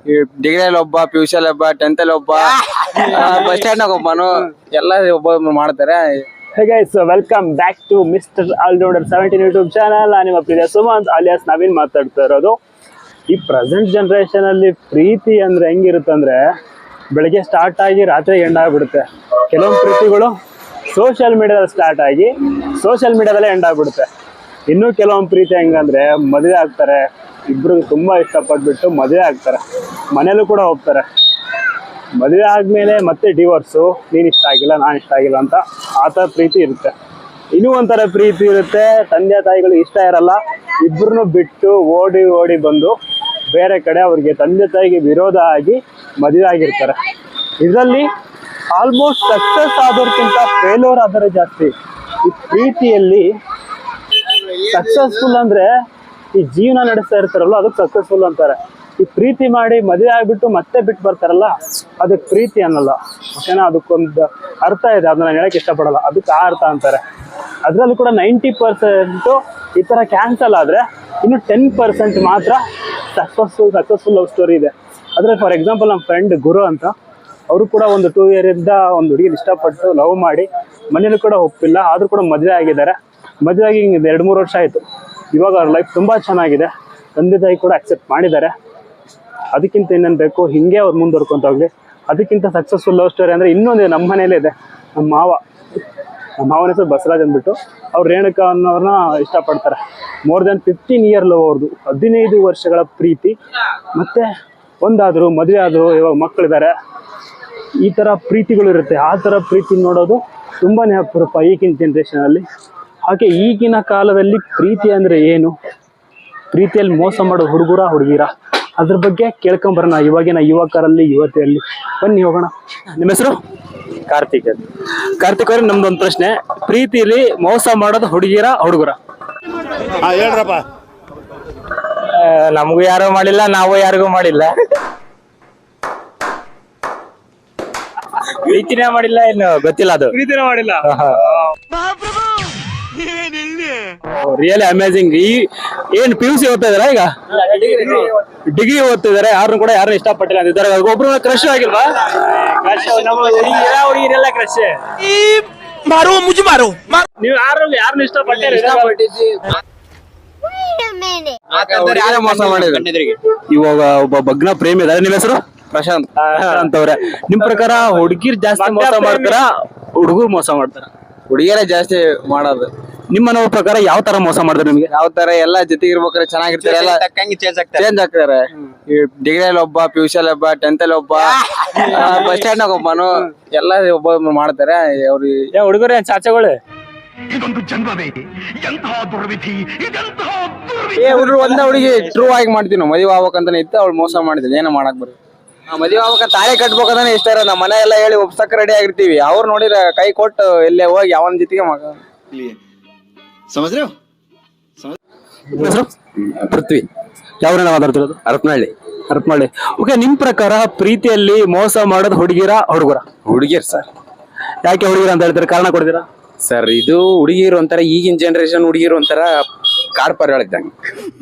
ಈ ಡಿಗ್ರಿಯಲ್ಲಿ ಒಬ್ಬ, PUC ಅಲ್ಲಿ ಒಬ್ಬ, 10th ಅಲ್ಲಿ ಒಬ್ಬ, ಬಸ್ ಸ್ಟ್ಯಾಂಡ್ ನಾಗ ಒಬ್ಬನು, ಎಲ್ಲ ಒಬ್ಬ ಮಾಡ್ತಾರೆ. Hey guys, welcome back to Mr. Allrounder 17 YouTube channel. ನಾನು ನಿಮ್ಮ ಪ್ರಿಯ ಸುಮಂತ್ ಅಲಿಯಾಸ್ ನವೀನ್ ಮಾತಾಡ್ತಾ ಇರೋದು. ಈ ಪ್ರೆಸೆಂಟ್ ಜನರೇಷನ್ ಅಲ್ಲಿ ಪ್ರೀತಿ ಅಂದ್ರೆ ಹೆಂಗಿರುತ್ತಂದ್ರೆ ಬೆಳಗ್ಗೆ ಸ್ಟಾರ್ಟ್ ಆಗಿ ರಾತ್ರಿ ಎಂಡ್ ಆಗ್ಬಿಡುತ್ತೆ. ಕೆಲವೊಂದು ಪ್ರೀತಿಗಳು ಸೋಷಿಯಲ್ ಮೀಡಿಯಾದಲ್ಲಿ ಸ್ಟಾರ್ಟ್ ಆಗಿ ಸೋಷಿಯಲ್ ಮೀಡಿಯಾದಲ್ಲೇ ಎಂಡ್ ಆಗ್ಬಿಡುತ್ತೆ. ಇನ್ನೂ ಕೆಲವೊಂದು ಪ್ರೀತಿ ಹೆಂಗಂದ್ರೆ ಮದುವೆ ಆಗ್ತಾರೆ, ಇಬ್ರು ತುಂಬಾ ಇಷ್ಟಪಟ್ಬಿಟ್ಟು ಮದುವೆ ಆಗ್ತಾರೆ, ಮನೇಲೂ ಕೂಡ ಹೋಗ್ತಾರೆ. ಮದುವೆ ಆದ್ಮೇಲೆ ಮತ್ತೆ ಡಿವೋರ್ಸು, ನೀನ್ ಇಷ್ಟ ಆಗಿಲ್ಲ ನಾನು ಇಷ್ಟ ಆಗಿಲ್ಲ ಅಂತ ಆ ಥರ ಪ್ರೀತಿ ಇರುತ್ತೆ. ಇನ್ನೂ ಒಂಥರ ಪ್ರೀತಿ ಇರುತ್ತೆ, ತಂದೆ ತಾಯಿಗಳು ಇಷ್ಟ ಇರಲ್ಲ, ಇಬ್ಬರನ್ನು ಬಿಟ್ಟು ಓಡಿ ಬಂದು ಬೇರೆ ಕಡೆ ಅವ್ರಿಗೆ ತಂದೆ ತಾಯಿಗೆ ವಿರೋಧ ಆಗಿ ಮದುವೆ ಆಗಿರ್ತಾರೆ. ಇದರಲ್ಲಿ ಆಲ್ಮೋಸ್ಟ್ ಸಕ್ಸಸ್ ಆದೋರ್ಕಿಂತ ಫೇಲ್ಯೂರ್ ಆದರೆ ಜಾಸ್ತಿ. ಈ ಪ್ರೀತಿಯಲ್ಲಿ ಸಕ್ಸಸ್ಫುಲ್ ಅಂದ್ರೆ ಈ ಜೀವನ ನಡೆಸ್ತಾ ಇರ್ತಾರಲ್ಲ ಅದಕ್ಕೆ ಸಕ್ಸಸ್ಫುಲ್ ಅಂತಾರೆ. ಈ ಪ್ರೀತಿ ಮಾಡಿ ಮದುವೆ ಆಗ್ಬಿಟ್ಟು ಮತ್ತೆ ಬಿಟ್ಟು ಬರ್ತಾರಲ್ಲ ಅದಕ್ಕೆ ಪ್ರೀತಿ ಅನ್ನಲ್ಲ. ಓಕೆನಾ, ಅದಕ್ಕೊಂದು ಅರ್ಥ ಇದೆ, ಅದನ್ನ ಹೇಳಕ್ ಇಷ್ಟಪಡಲ್ಲ, ಅದಕ್ಕೆ ಆ ಅರ್ಥ ಅಂತಾರೆ. ಅದರಲ್ಲೂ ಕೂಡ 90% ಈ ಥರ ಕ್ಯಾನ್ಸಲ್ ಆದರೆ ಇನ್ನು 10% ಮಾತ್ರ ಸಕ್ಸಸ್ಫುಲ್ ಲವ್ ಸ್ಟೋರಿ ಇದೆ. ಆದರೆ ಫಾರ್ ಎಕ್ಸಾಂಪಲ್ ನಮ್ಮ ಫ್ರೆಂಡ್ ಗುರು ಅಂತ, ಅವರು ಕೂಡ ಒಂದು 2 year ಇಂದ ಒಂದು ಹುಡುಗಿನ ಇಷ್ಟಪಟ್ಟು ಲವ್ ಮಾಡಿ ಮನೇಲಿ ಕೂಡ ಒಪ್ಪಿಲ್ಲ, ಆದರೂ ಕೂಡ ಮದುವೆ ಆಗಿದ್ದಾರೆ. ಮದುವೆ ಆಗಿ 2-3 ವರ್ಷ ಆಯಿತು. ಇವಾಗ ಅವ್ರ ಲೈಫ್ ತುಂಬ ಚೆನ್ನಾಗಿದೆ, ತಂದೆ ತಾಯಿ ಕೂಡ ಅಕ್ಸೆಪ್ಟ್ ಮಾಡಿದ್ದಾರೆ. ಅದಕ್ಕಿಂತ ಇನ್ನೇನು ಬೇಕು, ಹಿಂಗೆ ಅವ್ರು ಮುಂದುವರ್ಕೊಂತ ಹೋಗ್ಲಿ. ಅದಕ್ಕಿಂತ ಸಕ್ಸಸ್ಫುಲ್ ಲವ್ ಸ್ಟೋರಿ ಅಂದರೆ ಇನ್ನೊಂದು ನಮ್ಮ ಮನೇಲೇ ಇದೆ. ನಮ್ಮ ಮಾವನ ಹೆಸರು ಬಸವರಾಜ್ ಅಂದ್ಬಿಟ್ಟು, ಅವ್ರು ರೇಣುಕಾ ಅನ್ನೋರನ್ನ ಇಷ್ಟಪಡ್ತಾರೆ. ಮೋರ್ ದೆನ್ 15 year ಲವ್ ಅವ್ರದ್ದು, 15 ವರ್ಷಗಳ ಪ್ರೀತಿ. ಮತ್ತೆ ಒಂದಾದರು ಮದುವೆ ಆದರು, ಇವಾಗ ಮಕ್ಕಳಿದ್ದಾರೆ. ಈ ಥರ ಪ್ರೀತಿಗಳು ಇರುತ್ತೆ. ಆ ಥರ ಪ್ರೀತಿ ನೋಡೋದು ತುಂಬಾ ಅಪರೂಪ ಈಗಿನ ಜನ್ರೇಷನಲ್ಲಿ. ಹಾಗೆ ಈಗಿನ ಕಾಲದಲ್ಲಿ ಪ್ರೀತಿ ಅಂದರೆ ಏನು, ಪ್ರೀತಿಯಲ್ಲಿ ಮೋಸ ಮಾಡೋ ಹುಡುಗಿರ, ಅದ್ರ ಬಗ್ಗೆ ಕೇಳ್ಕೊಂಬರೋಣ ಇವಾಗಿನ ಯುವಕರಲ್ಲಿ ಯುವತಿಯಲ್ಲಿ. ಬನ್ನಿ ಹೋಗೋಣ. ನಿಮ್ಮ ಹೆಸರು? ಕಾರ್ತಿಕ್ ಅವ್ರಿಗೆ ನಮ್ದೊಂದು ಪ್ರಶ್ನೆ, ಪ್ರೀತಿಯಲ್ಲಿ ಮೋಸ ಮಾಡೋದು ಹುಡುಗರ? ಹೇಳ್ರಪ್ಪ. ನಮಗೂ ಯಾರು ಮಾಡಿಲ್ಲ, ನಾವು ಯಾರಿಗೂ ಮಾಡಿಲ್ಲ. ಪ್ರೀತಿನೇ ಮಾಡಿಲ್ಲ, ಏನು ಗೊತ್ತಿಲ್ಲ. ಅದು ಪ್ರೀತಿನೇ ಮಾಡಿಲ್ಲ. Really amazing. ಏನ್ PUC ಓದ್ತಾ ಇದಾರ ಈಗ? ಡಿಗ್ರಿ ಓದ್ತಿದಾರೆ. ಯಾರು ಕೂಡ ಯಾರು ಇಷ್ಟಪಟ್ಟಿಲ್ಲ ಅಂತಿದ್ದಾರೆ. ಒಬ್ರು ಕ್ರಶ್ ಆಗಿಲ್ವಾ? ಹುಡುಗಿರೆಲ್ಲ ಕ್ರಶ್. ನೀವು ಯಾರನ್ನ ಇಷ್ಟಪಟ್ಟಿಲ್ಲ? ಮೋಸ ಮಾಡಿದ್ರು. ಇವಾಗ ಒಬ್ಬ ಭಗ್ನ ಪ್ರೇಮಿ ಇದಾರೆ. ನಿಮ್ಮ ಹೆಸರು? ಪ್ರಶಾಂತ್ ಅವ್ರೆ. ನಿಮ್ ಪ್ರಕಾರ ಹುಡುಗಿರ್ ಜಾಸ್ತಿ ಮೋಸ ಮಾಡ್ತಾರ, ಹುಡುಗರು ಮೋಸ ಮಾಡ್ತಾರ? ಹುಡುಗಿಯರೇ ಜಾಸ್ತಿ ಮಾಡೋದು. ನಿಮ್ಮ ಮನವ ಪ್ರಕಾರ ಯಾವ ತರ ಮೋಸ ಮಾಡಿದ್ರೆ ನಿಮ್ಗೆ? ಯಾವ ತರ ಎಲ್ಲ ಜೊತೆಗೆ ಇರ್ಬೇಕಾದ್ರೆ ಚೆನ್ನಾಗಿರ್ತಾರೆ, ಎಲ್ಲ ಚೇಂಜ್ ಆಗ್ತಾರೆ. ಈ ಡಿಗ್ರಿಯಲ್ಲಿ ಒಬ್ಬ, PUC ಅಲ್ಲಿ ಒಬ್ಬ, 10th ಅಲ್ಲಿ ಒಬ್ಬ, ಬಸ್ ಸ್ಟ್ಯಾಂಡ್ ನಾಗ ಒಬ್ಬನು, ಎಲ್ಲ ಒಬ್ಬ ಮಾಡ್ತಾರೆ. ಅವ್ರು ಹುಡುಗರೇ ಚಾಚಗಳು. ಹುಡುಗರು ಒಂದ ಹುಡುಗಿ ಟ್ರೂ ಆಗಿ ಮಾಡ್ತೀವಿ ನಾವು. ಮದುವೆ ಆಗ್ಬೇಕಂತಾನೆ ಇತ್ತು, ಅವ್ಳು ಮೋಸ ಮಾಡಿದ್ವಿ. ಏನೋ ಮಾಡಕ್ ಬರೋದು. ಮದುವೆ ಆಗ್ಬೇಕ ತಾಳಿ ಕಟ್ಬೇಕಂತಾನೆ ಇಷ್ಟ ಇರ, ನಮ್ಮ ಮನೆ ಎಲ್ಲ ಹೇಳಿ ಒಪ್ಸಕ್ ರೆಡಿ ಆಗಿರ್ತೀವಿ. ಅವ್ರು ನೋಡಿರ ಕೈ ಕೊಟ್ಟು ಎಲ್ಲೇ ಹೋಗಿ ಅವನ ಜೊತೆಗೆ ಮಗ. ಪೃಥ್ವಿ. ಯಾವ್ರನ್ನ ಮಾತಾಡ್ತಿರೋದು? ಹರಪನಹಳ್ಳಿ. ಓಕೆ, ನಿಮ್ ಪ್ರಕಾರ ಪ್ರೀತಿಯಲ್ಲಿ ಮೋಸ ಮಾಡೋದು ಹುಡುಗರ? ಹುಡುಗಿರ್ ಸರ್. ಯಾಕೆ ಹುಡುಗಿರ ಅಂತ ಹೇಳ್ತಾರೆ? ಕಾರಣ ಕೊಡ್ತೀರಾ ಸರ್? ಇದು ಹುಡುಗಿರು ಒಂಥರ, ಈಗಿನ ಜನರೇಷನ್ ಹುಡುಗಿರು ಒಂಥರ ಕಾಡ್ ಪರ್ಯಾಳಿದ್ದಂಗೆ.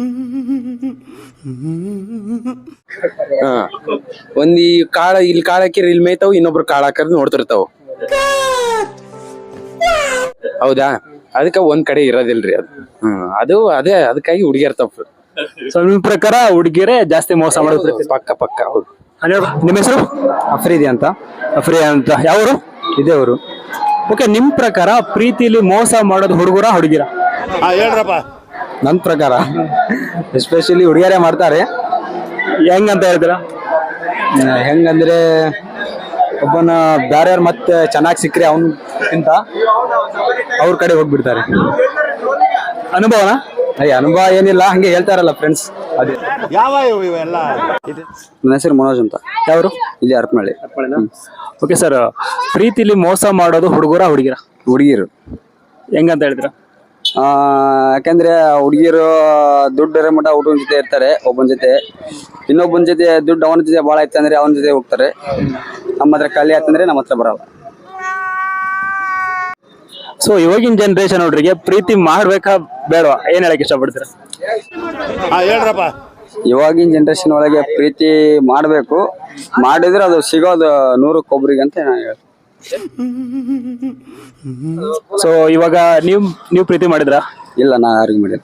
ಒಂದ್ ಈ ಕಾಳ ಇಲ್ಲಿ ಕಾಳ ಹಾಕಿರಿ ಇಲ್ಲಿ ಮೇಯ್ತಾವ್, ಇನ್ನೊಬ್ರು ಕಾಳ ಹಾಕರ್ ನೋಡ್ತಿರ್ತಾವ. ಹೌದಾ? ಅದಕ್ಕೆ ಒಂದ್ ಕಡೆ ಇರೋದಿಲ್ರಿ ಅದು. ಅದೇ ಅದಕ್ಕಾಗಿ ಹುಡುಗಿಯರ್ ತಪ್ಪು. ಸೊ ನಿಮ್ ಪ್ರಕಾರ ಹುಡುಗಿರೇ ಜಾಸ್ತಿ ಮೋಸ ಮಾಡೋದು? ಪಕ್ಕ ಹೌದು. ನಿಮ್ಮ ಹೆಸರು? ಅಫ್ರೀದಿ ಅಂತ. ಯಾವರು? ಇದೇ ಅವರು. ಓಕೆ, ನಿಮ್ ಪ್ರಕಾರ ಪ್ರೀತಿಲಿ ಮೋಸ ಮಾಡೋದು ಹುಡುಗರ? ಹೇಳ್ರಪ್ಪ. ನನ್ ಪ್ರಕಾರ ಎಸ್ಪೆಷಲಿ ಹುಡುಗಿಯರೇ ಮಾಡ್ತಾರೆ. ಹೆಂಗಂತ ಹೇಳ್ತೀರಾ? ಹೆಂಗಂದ್ರೆ ಒಬ್ಬನ ಬ್ಯಾರ್ಯಾರು ಮತ್ತೆ ಚೆನ್ನಾಗಿ ಸಿಕ್ಕರೆ ಅವನ್ಕಿಂತ ಅವ್ರ ಕಡೆ ಹೋಗ್ಬಿಡ್ತಾರೆ. ಅನುಭವನ? ಅನುಭವ ಏನಿಲ್ಲ, ಹಂಗೆ ಹೇಳ್ತಾರಲ್ಲ ಫ್ರೆಂಡ್ಸ್. ಅದೇ. ಯಾವ ಇವೆಲ್ಲ? ನನ್ನ ಹೆಸರು ಮನೋಜ್ ಅಂತ. ಯಾವರು? ಇಲ್ಲಿ ಹರಪನಹಳ್ಳಿ. ಓಕೆ ಸರ್, ಪ್ರೀತಿಲಿ ಮೋಸ ಮಾಡೋದು ಹುಡುಗಿರು ಹೆಂಗಂತ ಹೇಳ್ತೀರಾ? ಯಾಕಂದ್ರೆ ಹುಡುಗಿರು ದುಡ್ಡು ಇರೋ ಮಟ್ಟ ಹುಡುಗನ ಜೊತೆ ಇರ್ತಾರೆ. ಒಬ್ಬನ ಜೊತೆ, ಇನ್ನೊಬ್ಬನ ಜೊತೆ ದುಡ್ಡು ಅವನ ಜೊತೆ ಭಾಳ ಐತೆ ಅಂದ್ರೆ ಅವನ ಜೊತೆ ಹೋಗ್ತಾರೆ. ನಮ್ಮ ಹತ್ರ ಕಳ್ಳಿ ಆಯ್ತಂದ್ರೆ ನಮ್ಮ ಹತ್ರ ಬರಲ್ಲ. ಸೊ ಇವಾಗಿನ ಜನರೇಷನ್ ಹುಡುಗರಿಗೆ ಪ್ರೀತಿ ಮಾಡ್ಬೇಕಾ ಬೇಡವಾ, ಏನ್ ಹೇಳಕ್ ಇಷ್ಟಪಡ್ತೀರಾ? ಹೇಳ್ರಪ್ಪ. ಇವಾಗಿನ ಜನರೇಷನ್ ಒಳಗೆ ಪ್ರೀತಿ ಮಾಡಬೇಕು, ಮಾಡಿದ್ರೆ ಅದು ಸಿಗೋದು 100ಕ್ಕೆ ಅಂತ ನಾನು ಹೇಳ್ತೀನಿ. ಸೊ ಇವಾಗ ನೀವು ಪ್ರೀತಿ ಮಾಡಿದ್ರ? ಇಲ್ಲ, ನಾ ಯಾರಿಗೂ ಮಾಡಿಲ್ಲ.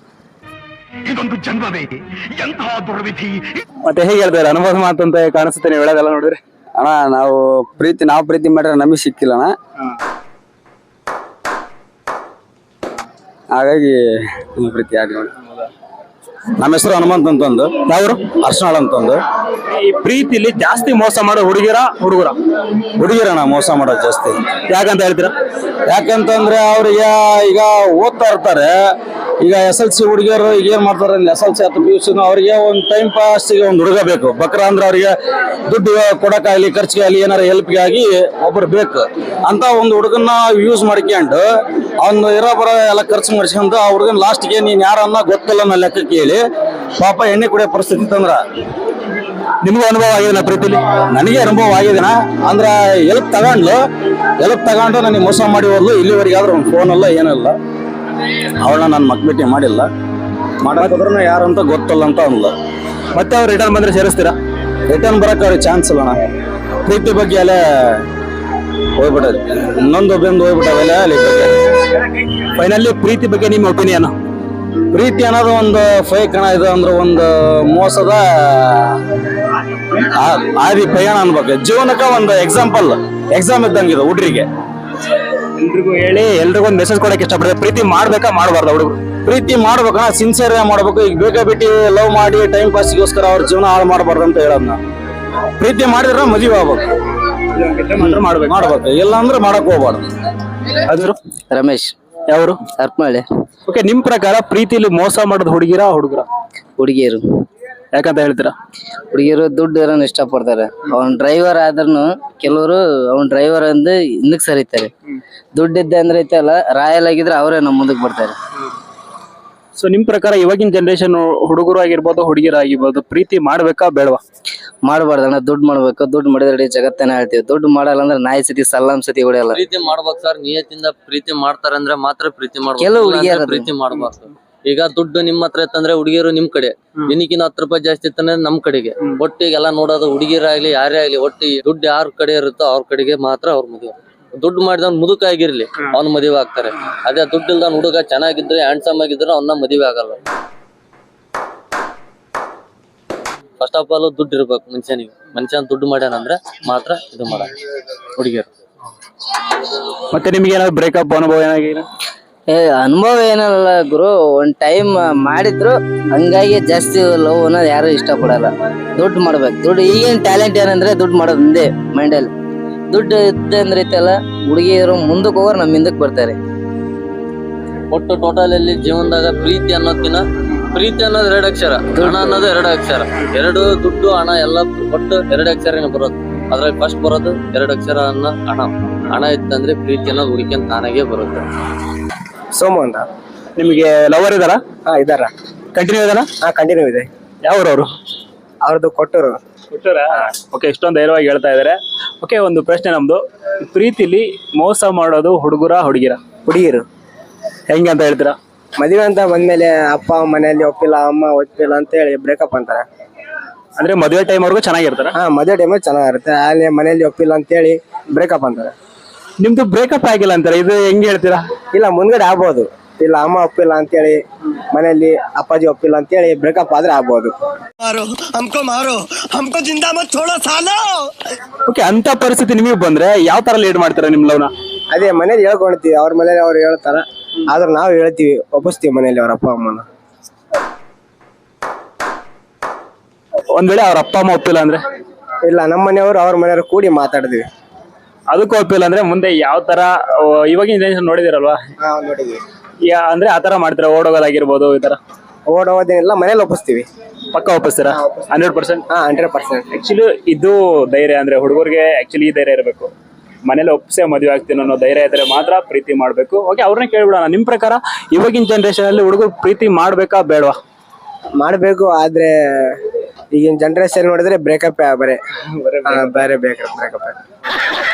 ಮತ್ತೆ ಹೇಗೆ ಹೇಳ್ತಾರೆ, ಅನುಭವ ಮಾತಂತ ಕಾಣಿಸುತ್ತೆ ನೀವು ಹೇಳೋದೆಲ್ಲ ನೋಡಿದ್ರೆ? ಅಣ್ಣ, ನಾವು ಪ್ರೀತಿ ಮಾಡಿದ್ರೆ ನಮಗೆ ಸಿಕ್ಕಿಲ್ಲ ಅಣ್ಣ, ಹಾಗಾಗಿ ಪ್ರೀತಿ ಯಾರು ನೋಡಿ. ನಮ್ಮ ಹೆಸರು ಹನುಮಂತ್ ಅಂತಂದು. ಯಾವ್ರು? ಅರ್ಶನಾಳ್ ಅಂತಂದು. ಈ ಪ್ರೀತಿಲಿ ಜಾಸ್ತಿ ಮೋಸ ಮಾಡೋ ಹುಡುಗಿರ ಹುಡುಗರ? ಹುಡುಗಿರಣ್ಣ ಮೋಸ ಮಾಡೋದು ಜಾಸ್ತಿ. ಯಾಕಂತ ಹೇಳ್ತೀರಾ? ಯಾಕಂತಂದ್ರೆ ಅವ್ರಿಗೆ ಈಗ ಓದ್ತಾ ಇರ್ತಾರೆ. ಈಗ SLC ಹುಡುಗಿಯರು ಈಗ ಏನ್ ಮಾಡ್ತಾರೆ, SLC ಅಥವಾ PUC ಅವ್ರಿಗೆ ಒಂದು ಟೈಮ್ ಪಾಸ್ಗೆ ಒಂದು ಹುಡುಗ ಬೇಕು. ಬಕ್ರ ಅಂದ್ರೆ ಅವ್ರಿಗೆ ದುಡ್ಡು ಕೊಡಕ್ಕಾಗಲಿ, ಖರ್ಚಿಗೆ ಆಗಲಿ, ಏನಾರ ಹೆಲ್ಪ್ಗೆ ಆಗಿ ಒಬ್ರು ಬೇಕು ಅಂತ ಒಂದು ಹುಡುಗನ್ನ ಯೂಸ್ ಮಾಡ್ಕೊಂಡು ಅವ್ನು ಇರೋ ಬರೋ ಎಲ್ಲ ಖರ್ಚು ಮಾಡಿಸ್ಕೊಂಡು ಆ ಹುಡುಗನ ಲಾಸ್ಟ್ಗೆ ನೀನ್ ಯಾರನ್ನ ಗೊತ್ತಿಲ್ಲ ಅನ್ನೋ ಲೆಕ್ಕಕ್ಕೆ ಹೇಳಿ ಪಾಪ ಎಣ್ಣೆ ಕುಡಿಯೋ ಪರಿಸ್ಥಿತಿ ತಂದ್ರ. ನಿಮ್ಗೂ ಅನುಭವ ಆಗಿದೆ ಪ್ರೀತಿಲಿ? ನನಗೆ ಅನುಭವ ಆಗಿದೆನಾ, ಅಂದ್ರೆ ಎಲ್ಪ್ ತಗೊಂಡು ನನಗೆ ಮೋಸ ಮಾಡಿ ಹೋದ್ಲು. ಇಲ್ಲಿವರೆಗೆ ಆದ್ರೂ ಒಂದು ಫೋನ್ ಅಲ್ಲ ಏನಲ್ಲ, ಅವಳನ್ನ ನಾನು ಮಕ್ಬಿಟ್ಟಿ ಮಾಡಿಲ್ಲ. ಮಾಡೋದ್ರ ಯಾರಂತ ಗೊತ್ತಲ್ಲ ಅಂತ ಅಂದ್ಲು. ಮತ್ತೆ ಅವ್ರು ರಿಟರ್ನ್ ಬಂದ್ರೆ ಸೇರಿಸ್ತೀರಾ? ರಿಟರ್ನ್ ಬರಕ್ಕೆ ಅವ್ರಿಗೆ ಚಾನ್ಸ್ ಇಲ್ಲ. ಪ್ರೀತಿ ಬಗ್ಗೆ ಅಲ್ಲೇ ಹೋಗ್ಬಿಟ್ಟದೆ, ಇನ್ನೊಂದು ಒಬ್ಬಂದು ಹೋಗ್ಬಿಟ್ಟವೆಲ್ಲ ಅಲ್ಲಿ ಬಗ್ಗೆ. ಫೈನಲಿ ಪ್ರೀತಿ ಬಗ್ಗೆ ನಿಮ್ಮ ಒಪಿನಿಯನ್? ಪ್ರೀತಿ ಅನ್ನೋದು ಒಂದು ಫೇಕ್ ಹಣ ಇದು, ಅಂದ್ರೆ ಒಂದು ಮೋಸದ ಆದಿ ಪಯಣ ಅನ್ಬೇಕು. ಜೀವನಕ್ಕೆ ಒಂದು ಎಕ್ಸಾಮ್ ಇದ್ದಂಗೆ ಇದು ಹುಡ್ರಿಗೆ. ಎಲ್ರಿಗೂ ಹೇಳಿ, ಎಲ್ರಿಗೂ ಒಂದು ಮೆಸೇಜ್ ಕೊಡಕ್ಕೆ ಇಷ್ಟಪಡ್ತಾರೆ, ಪ್ರೀತಿ ಮಾಡ್ಬೇಕಾ ಮಾಡಬಾರ್ದು ಹುಡುಗರು? ಪ್ರೀತಿ ಮಾಡ್ಬೇಕಣ್ಣ, ಸಿನ್ಸಿಯರ್ ಮಾಡ್ಬೇಕು. ಈಗ ಬೇಕಾ ಬಿಟ್ಟು ಲವ್ ಮಾಡಿ ಟೈಮ್ ಪಾಸ್ಗೋಸ್ಕರ ಅವ್ರ ಜೀವನ ಹಾಳು ಮಾಡಬಾರ್ದು ಅಂತ ಹೇಳೋದ್ನ. ಪ್ರೀತಿ ಮಾಡಿದ್ರೆ ಮದುವೆ ಆಗ್ಬೇಕು, ಮಾಡ್ಬೇಕು, ಇಲ್ಲ ಅಂದ್ರೆ ಮಾಡಕ್ ಹೋಗ್ಬಾರ್ದು. ಅದ್ರು ರಮೇಶ್. ಯಾವರು? ಹರ್ಪನಹಳ್ಳಿ. ಓಕೆ, ನಿಮ್ ಪ್ರಕಾರ ಪ್ರೀತಿಲಿ ಮೋಸ ಮಾಡೋದು ಹುಡುಗಿರ ಹುಡುಗರ? ಹುಡುಗಿಯರು. ಯಾಕಂತ ಹೇಳ್ತೀರಾ? ಹುಡುಗಿಯರು ದುಡ್ಡು ಇರೋನ್ ಇಷ್ಟಪಡ್ತಾರೆ. ಅವನ್ ಡ್ರೈವರ್ ಆದ್ರೂ ಕೆಲವರು ಅವನ್ ಡ್ರೈವರ್ ಅಂದ್ ಹಿಂದಕ್ ಸರಿತಾರೆ. ದುಡ್ಡಿದ್ದೆ ಅಂದ್ರೆ ಐತಲ್ಲ, ರಾಯಲ್ ಆಗಿದ್ರೆ ಅವರೇ ನಮ್ಮ ಮುಂದಕ್ಕೆ ಬರ್ತಾರೆ. ಸೊ ನಿಮ್ ಪ್ರಕಾರ ಇವಾಗಿನ ಜನರೇಷನ್ ಹುಡುಗರು ಆಗಿರ್ಬೋದು, ಹುಡುಗಿರ ಆಗಿರ್ಬೋದು, ಪ್ರೀತಿ ಮಾಡ್ಬೇಕಾ ಬೇಡವಾ? ಮಾಡಬಾರ್ದಣ್ಣ, ದುಡ್ಡು ಮಾಡ್ಬೇಕು. ದುಡ್ಡು ಮಾಡಿದ್ರೆ ಇಡೀ ಜಗತ್ತನ್ನ ಹೇಳ್ತೀವಿ. ದುಡ್ಡು ಮಾಡಲ್ಲ ಅಂದ್ರೆ ನಾಯಿ ಸತಿ ಸಲ್ಲಾಮ್ ಸತಿ ಹೊಡೆಯಲ್ಲ. ಪ್ರೀತಿ ಮಾಡ್ಬೇಕು ಸರ್, ನಿಯತ್ತಿಂದ ಪ್ರೀತಿ ಮಾಡ್ತಾರೆ ಅಂದ್ರೆ ಮಾತ್ರ ಪ್ರೀತಿ ಮಾಡ್ಬೇಕು. ಕೆಲವು ಹುಡುಗಿಯರು ಇಲ್ಲಾಂದ್ರೆ ಪ್ರೀತಿ ಮಾಡ್ಬಾರ್ದು. ಈಗ ದುಡ್ಡು ನಿಮ್ಮ ಹತ್ರ ಇತ್ತಂದ್ರೆ ಹುಡುಗಿಯರು ನಿಮ್ ಕಡೆ, ನಿನಗಿನ 10 ರೂಪಾಯಿ ಜಾಸ್ತಿ ಇತ್ತಂದ್ರೆ ನಮ್ ಕಡೆಗೆ. ಒಟ್ಟಿಗೆಲ್ಲ ನೋಡೋದು ಹುಡುಗಿರಾಗ್ಲಿ ಯಾರೇ ಆಗ್ಲಿ, ಒಟ್ಟಿ ದುಡ್ಡು ಯಾರ ಕಡೆ ಇರುತ್ತೋ ಅವ್ರ ಕಡೆಗೆ ಮಾತ್ರ ಅವ್ರ ಮದುವೆ. ದುಡ್ಡು ಮಾಡಿದವ್ನು ಮುದುಕ ಆಗಿರ್ಲಿ ಅವ್ನ ಮದುವೆ ಆಗ್ತಾರೆ. ಅದೇ ದುಡ್ಡು ಇಲ್ದ ಹುಡುಗ ಚೆನ್ನಾಗಿದ್ರೆ ಹ್ಯಾಂಡ್ಸಮ್ ಆಗಿದ್ರೆ ಅವನ್ನ ಮದುವೆ ಆಗಲ್ಲ. ಫಸ್ಟ್ ಆಫ್ ಆಲ್ ದುಡ್ಡು ಇರ್ಬೇಕು ಮನುಷ್ಯನಿಗೆ. ಮನುಷ್ಯನ ದುಡ್ಡು ಮಾಡ್ಯಾನಂದ್ರೆ ಮಾತ್ರ ಇದು ಮಾಡ ಹುಡುಗಿಯರು. ಮತ್ತೆ ನಿಮ್ಗೆ ಏನಾದ್ರು ಬ್ರೇಕಪ್ ಅನುಭವ ಏನಾಗಿದೆ? ಅನುಭವ ಏನಲ್ಲ ಗುರು, ಒಂದ್ ಟೈಮ್ ಮಾಡಿದ್ರು ಹಂಗಾಗಿ ಜಾಸ್ತಿ ಲವ್ ಅನ್ನೋದು ಯಾರು ಇಷ್ಟಪಡಲ್ಲ. ದುಡ್ಡು ಮಾಡ್ಬೇಕು. ದುಡ್ಡು ಈಗೇನ್ ಟ್ಯಾಲೆಂಟ್ ಏನಂದ್ರೆ ದುಡ್ಡು ಮಾಡೋದು ಒಂದೇ ಮೈಂಡಲ್ಲಿ. ದುಡ್ಡು ಇದ್ದೆ ಅಂದ್ರೆ ಐತಲ್ಲ, ಹುಡುಗಿಯರು ಮುಂದಕ್ಕೆ ಹೋಗೋರು ನಮ್ಮ ಹಿಂದಕ್ಕೆ ಬರ್ತಾರೆ. ಒಟ್ಟು ಟೋಟಲ್ ಅಲ್ಲಿ ಜೀವನದಾಗ ಪ್ರೀತಿ ಅನ್ನೋದಿನ, ಪ್ರೀತಿ ಅನ್ನೋದು 2 ಅಕ್ಷರ, ಹಣ ಅನ್ನೋದು 2 ಅಕ್ಷರ. ಎರಡು ದುಡ್ಡು ಹಣ ಎಲ್ಲ ಒಟ್ಟು 2 ಅಕ್ಷರನೇ ಬರೋದು. ಅದ್ರಲ್ಲಿ ಫಸ್ಟ್ ಬರೋದು 2 ಅಕ್ಷರ ಅನ್ನೋ ಹಣ. ಹಣ ಇತ್ತಂದ್ರೆ ಪ್ರೀತಿ ಅನ್ನೋದು ಹುಡುಕಿ ತಾನಾಗೆ ಬರುತ್ತೆ. ಸೋಮು ಅಂತ. ನಿಮಗೆ ಲವರ್ ಇದಾರ? ಇದಾರ. ಕಂಟಿನ್ಯೂ ಇದಾರ? ಕಂಟಿನ್ಯೂ ಇದೆ. ಯಾವ್ರವ್ರು? ಅವ್ರದ್ದು ಕೊಟ್ಟರು. ಓಕೆ, ಇಷ್ಟೊಂದು ಧೈರ್ಯವಾಗಿ ಹೇಳ್ತಾ ಇದಾರೆ. ಓಕೆ, ಒಂದು ಪ್ರಶ್ನೆ ನಮ್ದು. ಪ್ರೀತಿಲಿ ಮೋಸ ಮಾಡೋದು ಹುಡುಗರ ಹುಡುಗಿರ? ಹುಡುಗಿರು. ಹೆಂಗೆ ಅಂತ ಹೇಳ್ತೀರಾ? ಮದುವೆ ಅಂತ ಬಂದ್ಮೇಲೆ ಅಪ್ಪ ಮನೆಯಲ್ಲಿ ಒಪ್ಪಿಲ್ಲ, ಅಮ್ಮ ಒಪ್ಪಿಲ್ಲ ಅಂತ ಹೇಳಿ ಬ್ರೇಕಪ್ ಅಂತಾರೆ. ಅಂದ್ರೆ ಮದುವೆ ಟೈಮ್ ಅವ್ರಿಗೂ ಚೆನ್ನಾಗಿರ್ತಾರ? ಮದುವೆ ಟೈಮಲ್ಲಿ ಚೆನ್ನಾಗಿರುತ್ತೆ, ಅಲ್ಲಿ ಮನೆಯಲ್ಲಿ ಒಪ್ಪಿಲ್ಲ ಅಂತ ಹೇಳಿ ಬ್ರೇಕಪ್ ಅಂತಾರೆ. ನಿಮ್ದು ಬ್ರೇಕಪ್ ಆಗಿಲ್ಲ ಅಂತಾರೆ, ಇದು ಹೆಂಗೆ ಹೇಳ್ತೀರಾ? ಇಲ್ಲ, ಮುಂದ್ಗಡೆ ಆಗ್ಬೋದು. ಇಲ್ಲ, ಅಮ್ಮ ಒಪ್ಪಿಲ್ಲ ಅಂತೇಳಿ, ಮನೆಯಲ್ಲಿ ಅಪ್ಪಾಜಿ ಒಪ್ಪಿಲ್ಲ ಅಂತೇಳಿ ಬ್ರೇಕಪ್ ಆದ್ರೆ ಆಗ್ಬೋದು. ಓಕೆ, ಅಂತ ಪರಿಸ್ಥಿತಿ ನಿಮಗೆ ಬಂದ್ರೆ ಯಾವ ತರ ಲೀಡ್ ಮಾಡ್ತೀರಾ ನಿಮ್ ಲವ್ನ? ಅದೇ ಮನೇಲಿ ಹೇಳ್ಕೊಳ್ತೀವಿ, ಅವ್ರ ಮನೇಲಿ ಅವ್ರು ಹೇಳ್ತಾರ, ಆದ್ರೆ ನಾವು ಹೇಳ್ತೀವಿ, ಒಪ್ಪಿಸ್ತೀವಿ ಮನೇಲಿ ಅವ್ರ ಅಪ್ಪ ಅಮ್ಮನ. ಒಂದ್ ವೇಳೆ ಅವ್ರ ಅಪ್ಪ ಅಮ್ಮ ಒಪ್ಪಿಲ್ಲ ಅಂದ್ರೆ? ಇಲ್ಲ, ನಮ್ಮ ಮನೆಯವರು ಅವ್ರ ಮನೆಯವರು ಕೂಡಿ ಮಾತಾಡಿದ್ವಿ. ಅದಕ್ಕೂ ಒಪ್ಪಿಲ್ಲ ಅಂದ್ರೆ ಮುಂದೆ ಯಾವ ತರ? ಇವಾಗಿನ ಜನರೇಷನ್ ನೋಡಿದಿರಲ್ವಾ, ನೋಡಿದ್ವಿ. ಅಂದ್ರೆ ಆತರ ಮಾಡ್ತೀರಾ? ಓಡೋಗೋದಾಗಿರ್ಬೋದು, ಈ ತರ? ಓಡೋದೇನಿಲ್ಲ, ಮನೇಲಿ ಒಪ್ಪಿಸ್ತೀವಿ. ಪಕ್ಕ ಒಪ್ಪಿಸ್ತೀರಾ? 100%? 100%. ಆಕ್ಚುಲಿ ಇದು ಧೈರ್ಯ. ಅಂದ್ರೆ ಹುಡುಗರಿಗೆ ಆಕ್ಚುಲಿ ಈ ಧೈರ್ಯ ಇರಬೇಕು. ಮನೇಲಿ ಒಪ್ಸೆ ಮದುವೆ ಆಗ್ತೀನಿ ಅನ್ನೋ ಧೈರ್ಯ ಇದ್ರೆ ಮಾತ್ರ ಪ್ರೀತಿ ಮಾಡ್ಬೇಕು. ಓಕೆ, ಅವ್ರನ್ನ ಕೇಳ್ಬಿಡೋಣ. ನಿಮ್ ಪ್ರಕಾರ ಇವಾಗಿನ ಜನರೇಷನ್ ಅಲ್ಲಿ ಹುಡುಗರು ಪ್ರೀತಿ ಮಾಡ್ಬೇಕಾ ಬೇಡವಾ? ಮಾಡ್ಬೇಕು, ಆದ್ರೆ ಈಗಿನ ಜನರೇಷನ್ ನೋಡಿದ್ರೆ ಬ್ರೇಕಪ್ ಬೇರೆ ಬೇರೆ ಬ್ರೇಕಪ್.